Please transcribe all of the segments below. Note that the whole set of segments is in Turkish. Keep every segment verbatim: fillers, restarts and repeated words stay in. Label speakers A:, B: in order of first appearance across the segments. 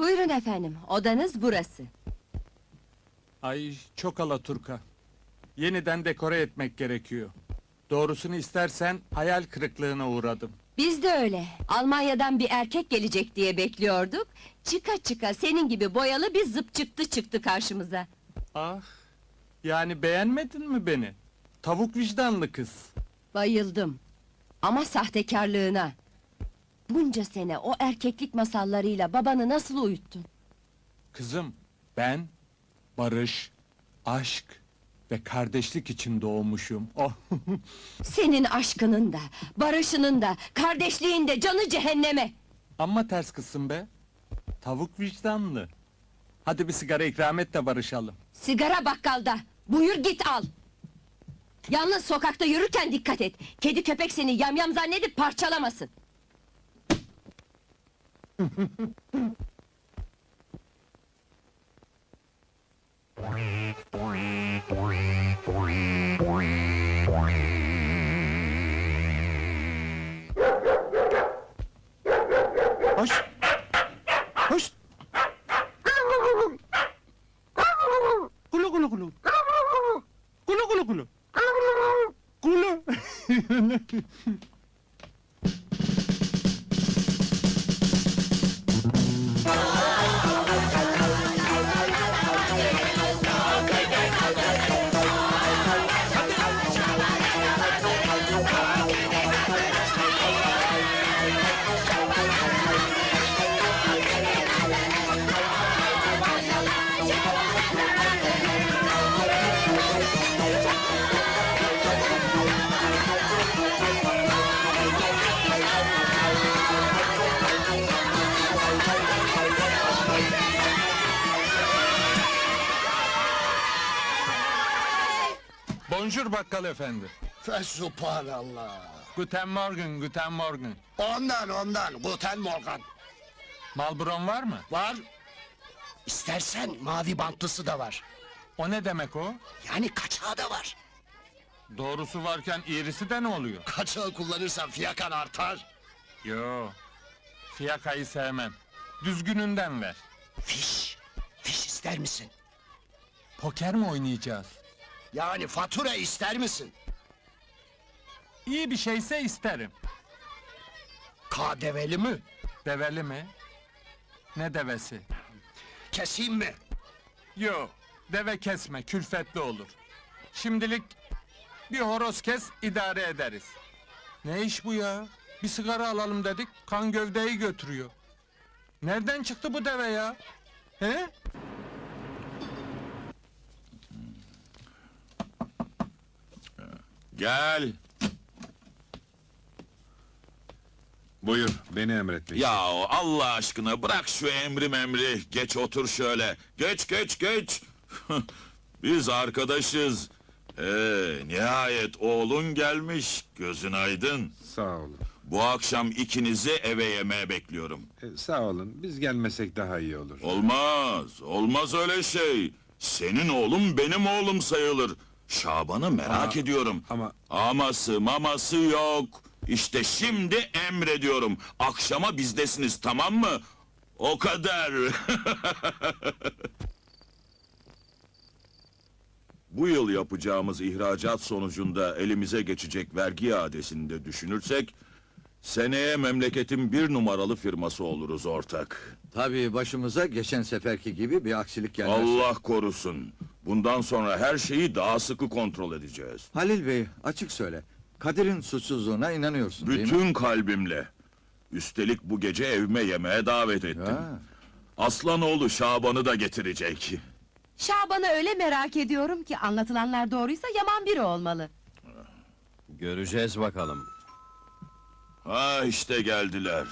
A: Buyurun efendim, odanız burası.
B: Ay, çok alaturka. Yeniden dekore etmek gerekiyor. Doğrusunu istersen hayal kırıklığına uğradım.
A: Biz de öyle. Almanya'dan bir erkek gelecek diye bekliyorduk. Çıka çıka senin gibi boyalı bir zıp çıktı çıktı karşımıza.
B: Ah, yani beğenmedin mi beni? Tavuk vicdanlı kız.
A: Bayıldım. Ama sahtekarlığına. Bunca sene o erkeklik masallarıyla babanı nasıl uyuttun?
B: Kızım, ben barış, aşk ve kardeşlik için doğmuşum. Oh.
A: Senin aşkının da, barışının da, kardeşliğin de canı cehenneme!
B: Amma ters kızsın be. Tavuk vicdanlı. Hadi bir sigara ikram et de barışalım.
A: Sigara bakkalda, buyur git al! Yalnız sokakta yürürken dikkat et! Kedi köpek seni yamyam zannedip parçalamasın!
B: Hoş! Hoş! Kulu kulu kulu! Kulu kulu kulu! Kulu! Bonjour bakkal efendi.
C: Fesubhanallah.
B: Guten Morgen, guten Morgen.
C: Ondan ondan, Guten Morgen.
B: Malbron var mı?
C: Var. İstersen mavi bantlısı da var.
B: O ne demek o?
C: Yani kaçağı da var.
B: Doğrusu varken iğrisi de ne oluyor?
C: Kaçağı kullanırsan fiyakan artar.
B: Yo, fiyakayı sevmem. Düzgününden ver.
C: Fiş. Fiş ister misin?
B: Poker mi oynayacağız?
C: Yani fatura ister misin?
B: İyi bir şeyse isterim.
C: K D V'li mi?
B: Develi mi? Ne devesi?
C: Keseyim mi?
B: Yo, deve kesme, külfetli olur. Şimdilik bir horoz kes, idare ederiz. Ne iş bu ya? Bir sigara alalım dedik, kan gövdeyi götürüyor. Nereden çıktı bu deve ya? He?
D: Gel. Buyur, beni emrettin.
E: Ya Allah aşkına bırak şu emri memri, geç otur şöyle. Geç geç geç. Biz arkadaşız. Ee, nihayet oğlun gelmiş, gözün aydın.
D: Sağ olun.
E: Bu akşam ikinizi eve yemeğe bekliyorum.
D: E, sağ olun, biz gelmesek daha iyi olur.
E: Olmaz, olmaz öyle şey. Senin oğlum benim oğlum sayılır. Şaban'ı merak
D: Ama-
E: ediyorum.
D: ama-
E: Aması maması yok. İşte şimdi emrediyorum. Akşama bizdesiniz, tamam mı? O kadar. Bu yıl yapacağımız ihracat sonucunda elimize geçecek vergi iadesini de düşünürsek... ...seneye memleketin bir numaralı firması oluruz ortak.
F: Tabii başımıza geçen seferki gibi bir aksilik gelmez.
E: Allah korusun. Bundan sonra her şeyi daha sıkı kontrol edeceğiz.
F: Halil Bey, açık söyle. Kadir'in suçsuzluğuna inanıyorsun değil mi?
E: Bütün kalbimle. Üstelik bu gece evime yemeğe davet ettim.
F: Ha.
E: Aslanoğlu Şaban'ı da getirecek.
G: Şaban'ı öyle merak ediyorum ki anlatılanlar doğruysa yaman biri olmalı.
F: Göreceğiz bakalım.
E: Ha işte geldiler.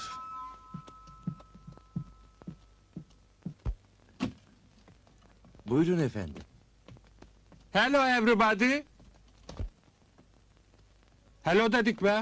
F: Buyurun efendim.
B: Hello everybody. Hello dedik be.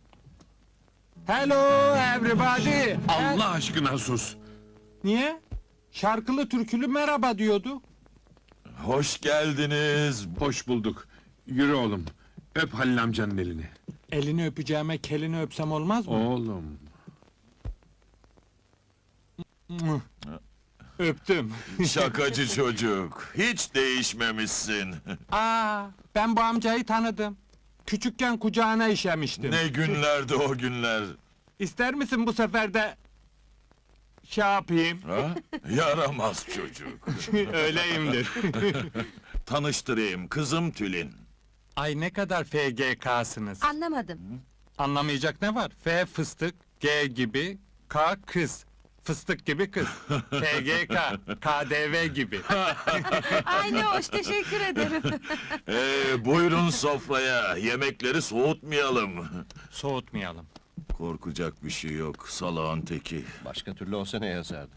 B: Hello everybody.
D: Allah aşkına sus!
B: Niye? Şarkılı türkülü merhaba diyordu.
E: Hoş geldiniz.
D: Hoş bulduk. Yürü oğlum, öp Halil amcanın elini.
B: Elini öpeceğime kelini öpsem olmaz mı?
D: Oğlum.
B: Mıh. Öptüm.
E: Şakacı çocuk, hiç değişmemişsin.
B: Aa, ben bu amcayı tanıdım. Küçükken kucağına işemiştim.
E: Ne günlerdi o günler.
B: İster misin bu sefer de şey yapayım?
E: Ha? Yaramaz çocuk.
B: Öyleyimdir.
E: Tanıştırayım, kızım Tülin.
B: Ay ne kadar F G K'sınız.
G: Anlamadım.
B: Anlamayacak ne var? F fıstık, G gibi, K kız. Fıstık gibi kız. F G K, K D V gibi.
G: Ay ne hoş, teşekkür ederim.
E: Ee, buyurun sofraya, yemekleri soğutmayalım.
B: Soğutmayalım.
E: Korkacak bir şey yok, salağın teki.
C: Başka türlü olsa ne yazardı?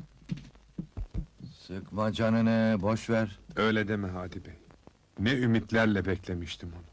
F: Sıkma canını, boş ver.
D: Öyle deme Hadi Bey. Ne ümitlerle beklemiştim onu.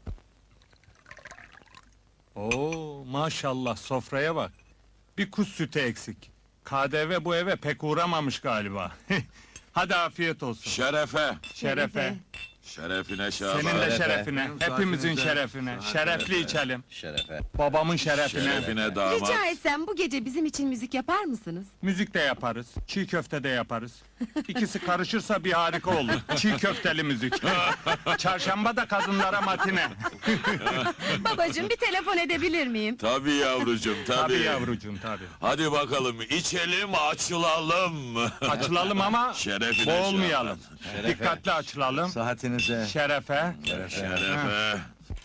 B: Oo, maşallah sofraya bak. Bir kuş sütü eksik. K D V bu eve pek uğramamış galiba. Hadi afiyet olsun.
E: Şerefe,
B: Şerefe.
E: şerefine Şaban.
B: Senin de
F: Şerefe.
B: şerefine. Hepimizin şerefine. Şerefli içelim.
C: Şerefe.
B: Babamın şerefine.
E: Şerefine damat.
G: Rica etsem bu gece bizim için müzik yapar mısınız?
B: Müzik de yaparız. Çiğ köfte de yaparız. İkisi karışırsa bir harika olur. Çiğ köfteli müzik. Çarşamba da kadınlara matine.
G: Babacığım bir telefon edebilir miyim?
E: Tabii yavrucuğum, tabii.
B: Tabii yavrucuğum tabii.
E: Hadi bakalım, içelim, açılalım.
B: Açılalım ama
E: Şerefine
B: boğulmayalım.
F: Şerefe.
B: Dikkatli açılalım.
F: Saatinize.
B: Şerefe.
E: Şerefe.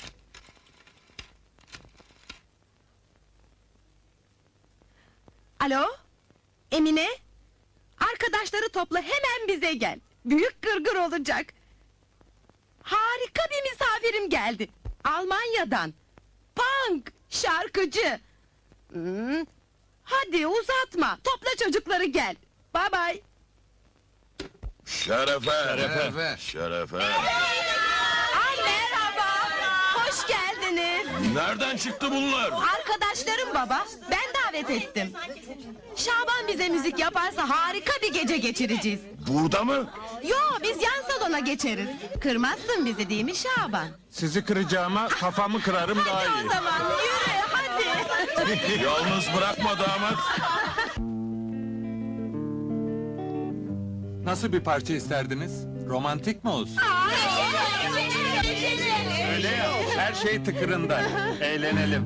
G: Alo? Emine? Arkadaşları topla, hemen bize gel. Büyük gırgır olacak. Harika bir misafirim geldi. Almanya'dan. Punk, şarkıcı. Hmm. Hadi uzatma, topla çocukları gel. Bye bye.
E: Şerefe.
F: Şerefe.
E: Şerefe.
G: Ay merhaba, hoş geldiniz.
E: Nereden çıktı bunlar?
G: Arkadaşlarım baba, ben davet ettim. Şaban bize müzik yaparsa harika bir gece geçireceğiz.
E: Burada mı?
G: Yo, biz yan salona geçeriz. Kırmazsın bizi değil mi Şaban?
B: Sizi kıracağıma kafamı kırarım daha
G: Hadi o
B: iyi.
G: zaman yürü hadi.
E: Yalnız bırakma damat.
B: Nasıl bir parça isterdiniz? Romantik mi olsun? Öyle ya, her şey tıkırında. Eğlenelim.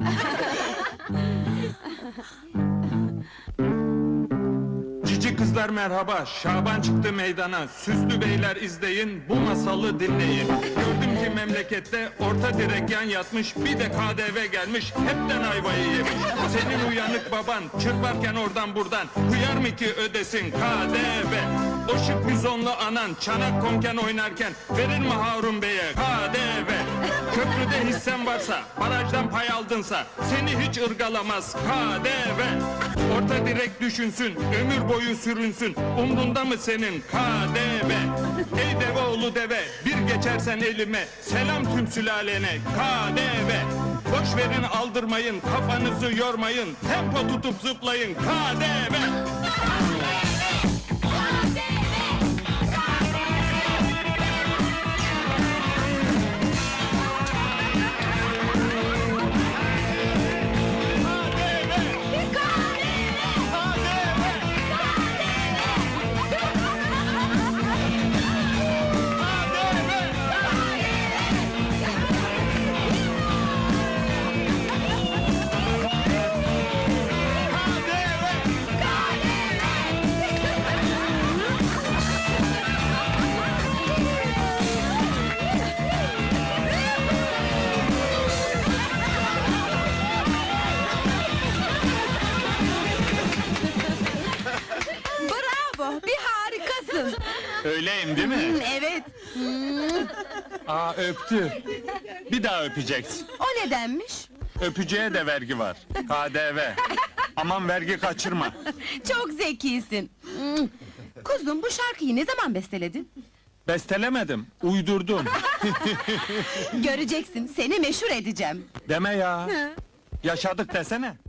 B: Cici kızlar merhaba, Şaban çıktı meydana. Süslü beyler izleyin, bu masalı dinleyin. Gördüm ki memlekette orta direk yan yatmış, bir de K D V gelmiş, hepten ayvayı yemiş. Senin uyanık baban çırparken oradan buradan, hıyar mı ki ödesin K D V? O şık bizonlu anan çanak konken oynarken verir mi Harun Bey'e K D V? Köprüde hissen varsa, barajdan pay aldınsa seni hiç ırgalamaz K D V. Orta direk düşünsün, ömür boyu sürünsün, umrunda mı senin K D V? Ey deve oğlu deve, bir geçersen elime, selam tüm sülalene K D V. Boş verin aldırmayın, kafanızı yormayın, tempo tutup zıplayın K D V.
G: Bravo, bir harikasın.
B: Öyleyim değil mi?
G: Evet.
B: Aa öptü. Bir daha öpeceksin.
G: O nedenmiş?
B: Öpücüğe de vergi var. K D V. Aman vergi kaçırma.
G: Çok zekisin. Hmm. Kuzum, bu şarkıyı ne zaman besteledin?
B: Bestelemedim, uydurdum.
G: Göreceksin, seni meşhur edeceğim.
B: Deme ya. Yaşadık desene.